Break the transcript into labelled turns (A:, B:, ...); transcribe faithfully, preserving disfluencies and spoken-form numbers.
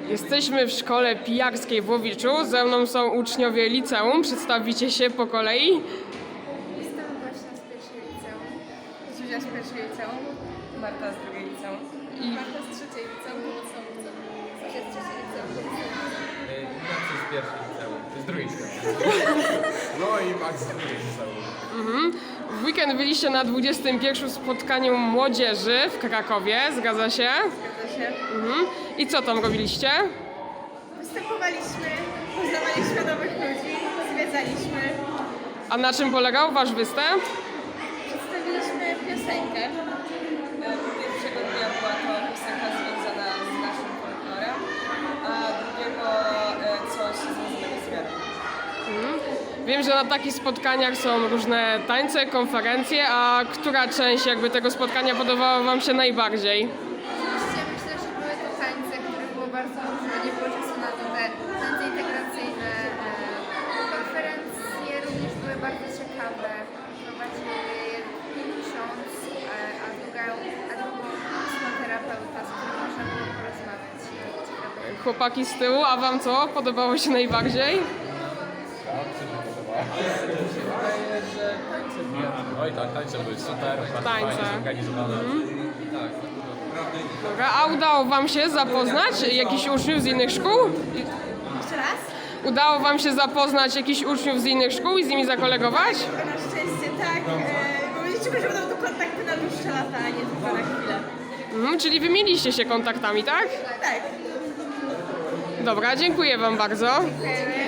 A: Jesteśmy w szkole pijarskiej w Łowiczu. Ze mną są uczniowie liceum. Przedstawicie się po kolei.
B: Jestem właśnie z pierwszej liceum.
C: Zuzia z pierwszej liceum, Marta z drugiej liceum.
B: I Marta z trzeciej liceum. Zuzia z trzeciej liceum.
D: Ignacy z pierwszej liceum, z drugiej liceum. No i Max z drugiej liceum.
A: Mhm. W weekend byliście na dwudziestym pierwszym spotkaniu młodzieży w Krakowie. Zgadza się?
C: Zgadza się.
A: Mhm. I co tam robiliście?
C: Występowaliśmy, poznawaliśmy nowych ludzi, zwiedzaliśmy,
A: A na czym polegał wasz występ?
C: przedstawiliśmy piosenkę. Pierwszego dnia była to piosenka związana z naszym folklorem, a drugiego e, coś związanego z wiarą.
A: Wiem, że na takich spotkaniach są różne tańce, konferencje, a która część jakby tego spotkania podobała wam się najbardziej?
B: Oczywiście myślę, że były to tańce, których było bardzo dużo, nie było czasu na to te tańce integracyjne. E, Konferencje również były bardzo ciekawe. Prowadził je ksiądz, e, a druga, a drugą psychoterapeuta, z którym można było porozmawiać. Ciekawe.
A: Chłopaki z tyłu, a wam co podobało się najbardziej?
D: Oj tak, tańce były super, bardzo
A: Tańce.
D: fajnie zorganizowane.
A: Dobra, a udało wam się zapoznać jakichś uczniów z innych szkół?
C: Jeszcze raz?
A: Udało wam się zapoznać jakichś uczniów z innych szkół i z nimi zakolegować?
C: Na szczęście tak, e, bo liczymy, że będą to kontakty na dłuższe lata, a nie tylko na chwilę.
A: Mhm, czyli wymieniliście się kontaktami, tak?
C: Tak.
A: Dobra, dziękuję wam bardzo.
C: Dziękujemy.